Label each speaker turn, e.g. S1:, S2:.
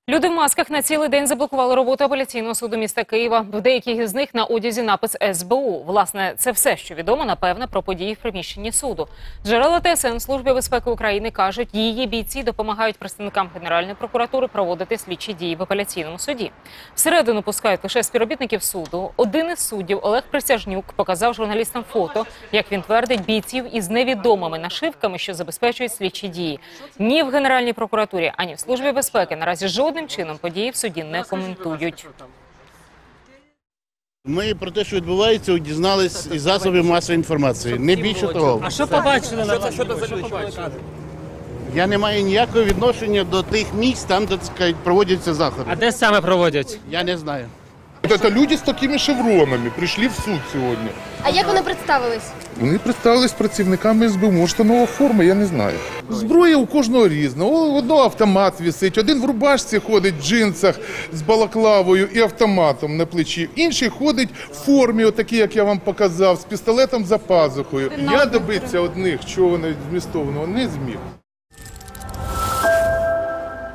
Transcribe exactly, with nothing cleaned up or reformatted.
S1: Люди в масках на цілий день заблокували роботу апеляційного суду міста Києва. В деяких з них на одязі напис ес бе у. Власне, це все, що відомо, напевне, про події в приміщенні суду. Джерела те ес ен Служби безпеки України кажуть, її бійці допомагають представникам Генеральної прокуратури проводити слідчі дії в апеляційному суді. Всередину пускають лише співробітників суду. Один із суддів, Олег Присяжнюк, показав журналістам фото, як він твердить, бійців із невідомими нашивками, що забезпечують слідчі дії. Ні в Генеральній прокуратурі, ані в Службі безпеки наразі жодним Жодним чином події в суді не коментують.
S2: Ми про те, що відбувається, дізнались із засобів масової інформації. Не більше того.
S3: А що побачили на що це побачили?
S2: Я не маю ніякого відношення до тих місць, там, де, так сказати, проводяться заходи.
S3: А де саме проводять?
S2: Я не знаю.
S4: Это люди с такими шевронами прийшли в суд сьогодні.
S5: А як вони представились?
S4: Вони представились працівниками ес бе у, може, нова форма, я не знаю. Зброя у кожного різна. У одного автомат висить, один в рубашці ходить, в джинсах з балаклавою і автоматом на плечі. Інший ходить в формі, отакий, як я вам показав, з пістолетом за пазухою. Я добитися одних, чого вони змістовного, не зміг.